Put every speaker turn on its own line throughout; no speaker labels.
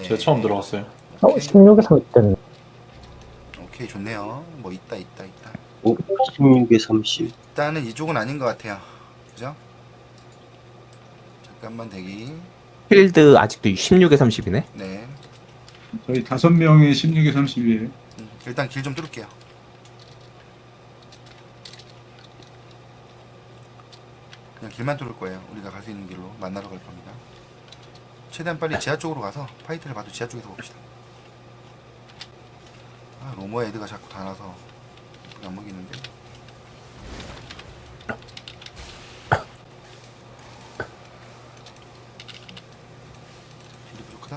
제가 처음 들어갔어요.
16에서 있던
오케이, 좋네요. 뭐 있다.
16에 30.
일단은 이쪽은 아닌 것 같아요. 그죠? 잠깐만 대기.
필드 아직도 16에 30이네.
네.
저희 5명이 16에 30이에요.
일단 길 좀 뚫을게요. 그냥 길만 뚫을 거예요. 우리가 갈 수 있는 길로 만나러 갈 겁니다. 최대한 빨리 지하 쪽으로 가서 파이트를 봐도 지하 쪽에서 봅시다. 아, 로머 애드가 자꾸 다 나서 안 먹이는데. 딜이 부족하다.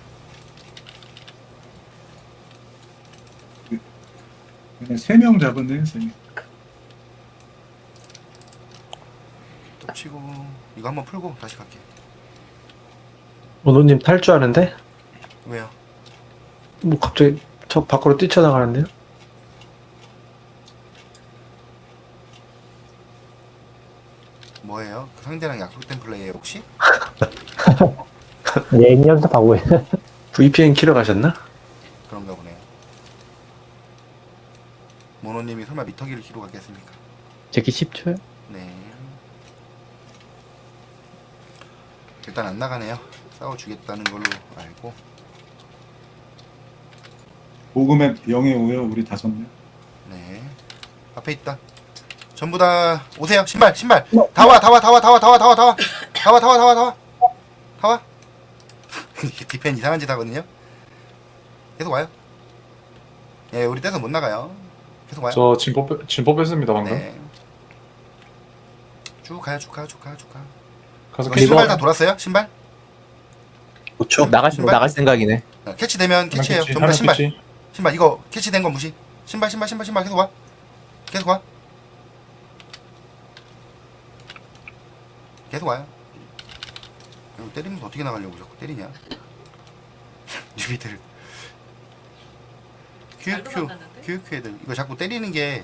그냥 3명 잡았네요, 3명.
또 치고 이거 한번 풀고 다시 갈게.
원호님 탈주하는데?
왜요?
뭐 갑자기 저 밖으로 뛰쳐나가는데요?
뭐예요? 그 상대랑 약속된 플레이에 혹시?
예행 연습하고 있는
VPN 키러 가셨나?
그런가 보네요. 모노님이 설마 미터기를 키로 갔겠습니까?
제키 10초요?
네. 일단 안 나가네요. 싸워주겠다는 걸로 알고.
보그맵 0에 5요, 우리 5명.
네. 앞에 있다. 전부 다 오세요. 신발. 다 와. 디펜 이상한 짓 하거든요. 계속 와요. 예, 우리 떼서 못 나가요. 계속 와요.
저 진포 뺐습니다 방금.
네. 쭉 가요.
가서
이거
캐치.
신발 다 돌았어요? 신발?
5초.
신발?
나갈 생각이네.
캐치되면 캐치해요. 전부 다 신발 이거 캐치된 건 무시. 신발 계속 와. 계속 와요. 이거 때리면서 어떻게 나가려고 자꾸 때리냐? 뉴비들. QQ 애들 이거 자꾸 때리는 게.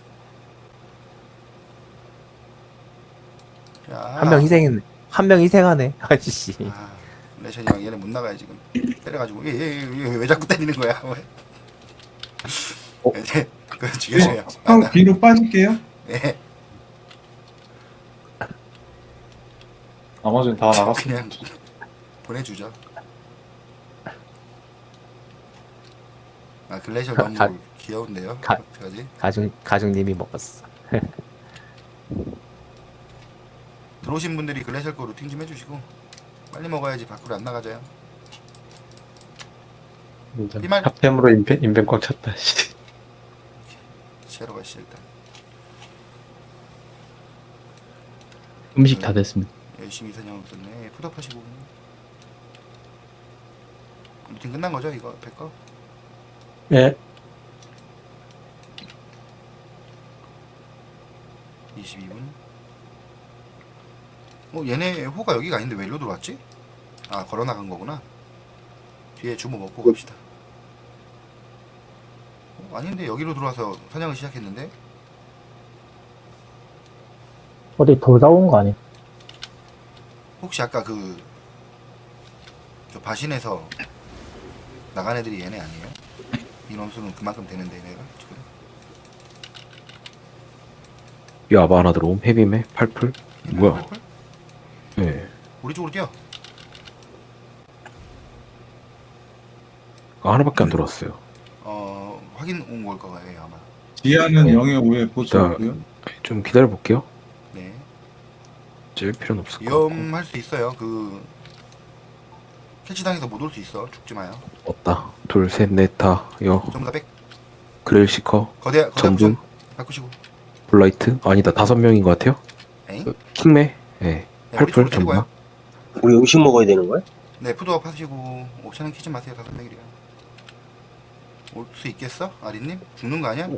야.
한 명 희생하네. 아저씨.
아, 레션이 형 얘네 못 나가요 지금. 때려가지고 얘왜 자꾸 때리는 거야? 이제 그 죽여줘요.
형 뒤로 빠질게요.
네.
나머지는 다 나갔어.
그냥 보내주죠. 아 글래셜 너무
가-
귀여운데요.
가-
어떡하지?
가중님이 먹었어.
들어오신 분들이 글래셜 거 루팅 좀 해주시고 빨리 먹어야지 밖으로 안 나가져요. 이말-
탑템으로 인벤 꽉 찼다. 씨.
시야로 가시죠 일단.
음식 다 됐습니다.
열심히 사냥 썼네. 푸드업하시고 루팅 끝난 거죠 이거 100거?
예.
22분. 얘네 호가 여기가 아닌데 왜 일로 들어왔지? 아 걸어 나간 거구나. 뒤에 주모 먹고 갑시다. 아닌데 여기로 들어와서 사냥을 시작했는데.
어디 돌다 온 거 아니야?
혹시 아까 저 바신에서 나간 애들이 얘네 아니에요? 인원수는 그만큼 되는데 얘네가 지금.
야바 하나 들어옴. 헤비메 8풀. 뭐야?
펄펄?
예.
우리 쪽으로 뛰어.
하나밖에 안 들어왔어요.
확인 온 걸 거예요 아마.
지하는
네.
0에 5에 보수하고요.
좀 기다려 볼게요.
네.
찔 필요는 없을 것 같고.
위험할 수 있어요. 캐치당해서 못 올 수 있어. 죽지 마요.
없다. 둘, 셋, 넷, 다. 여.
전부 다 백.
그레일 시커.
거대
전분.
부전 바꾸시고.
블라이트. 아니다. 5명인 것 같아요.
에잉?
킹메. 예.
네, 우리
8풀
쪽으로 데리고 와요.
전부.
우리 음식 먹어야 되는 거야?
네, 푸드업 하시고 옵션은 키지 마세요. 5명이래요. 올 수 있겠어? 아리님? 죽는 거 아니야?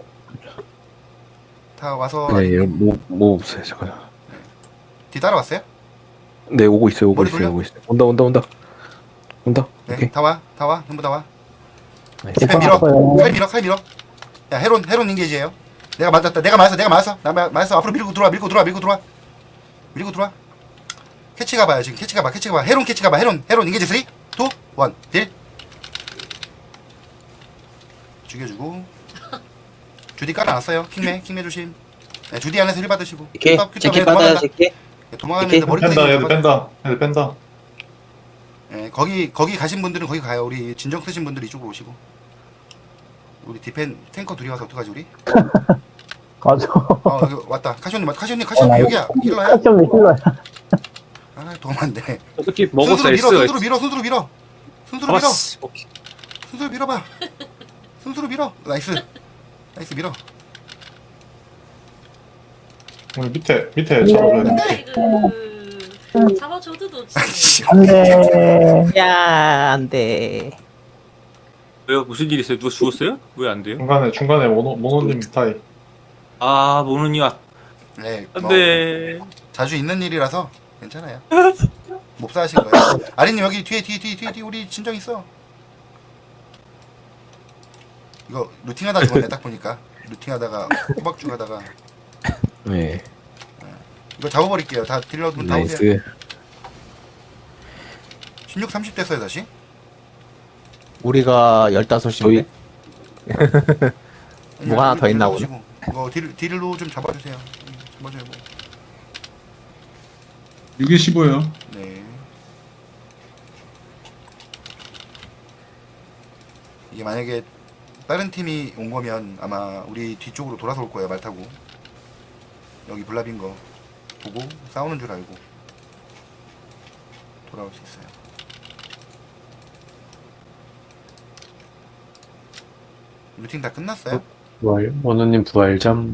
다 와서
네, 예.
아리님.
뭐 없어요. 잠깐.
뒤 따라왔어요?
네, 오고 있어요.
머리 돌려?
온다.
네,
오케이.
다 와. 전부 다 와.
나이스.
디펜 밀어.
왔어요.
칼 밀어. 야, 헤론 인게이지예요. 내가 맞았다. 내가 맞았어. 나 맞았어. 앞으로 밀고 들어와. 캐치 가봐요. 지금 캐치 가봐. 헤론 캐치 가봐. 헤론 인게이지 3, 2, 1, 딜. 죽여주고. 주디 깔아놨어요. 킹매 조심. 네, 주디 안에서 힐 받으시고.
이렇게
큐탑,
제키 받아요, 제키.
도망가는데 머리
뺀다,
끄덕이면서
얘들 뺀다. 얘들 뺀다.
예, 거기 가신 분들은 거기 가요. 우리 진정 쓰신 분들 이쪽으로 오시고. 우리 디펜 탱커 둘이 와서 어떡하지 우리?
맞아.
여기 왔다. 카시오님
나
여기야. 힐러야?
좀 힐러야.
아 도움 안 돼.
어떻게 먹었어
순수로 밀어. 순수로 밀어.
잡았어. 오케이.
순수로 밀어봐. 순수로 밀어. 나이스 밀어.
우리 밑에 잡아줘야 돼.
아이고 잡아줘도 놓지.
안 돼.
야, 안 돼.
왜요? 무슨 일 있어요? 누가 죽었어요? 왜 안 돼요?
중간에 모노님 스타일.
아, 모노님
네.
안 돼.
자주 있는 일이라서 괜찮아요. 몹사 하신 거예요. 아리님 여기 뒤에 우리 진정 있어. 이거 루팅하다 죽었네 딱 보니까. 루팅하다가 호박죽 하다가
네.
이거 잡아버릴게요. 다 딜러분 다 오세요.
나이스.
16, 30 됐어요 다시.
우리가 15시인데? 뭐가 하나 더 있나 보네.
오시고. 이거 딜로 좀 잡아주세요. 잡아줘요 뭐.
6에 15요.
네. 이게 만약에 다른 팀이 온 거면 아마 우리 뒤쪽으로 돌아서 올 거예요. 말 타고. 여기 블랍인 거 보고 싸우는 줄 알고 돌아올 수 있어요. 루팅 다 끝났어요?
부활, 원우님 부활점.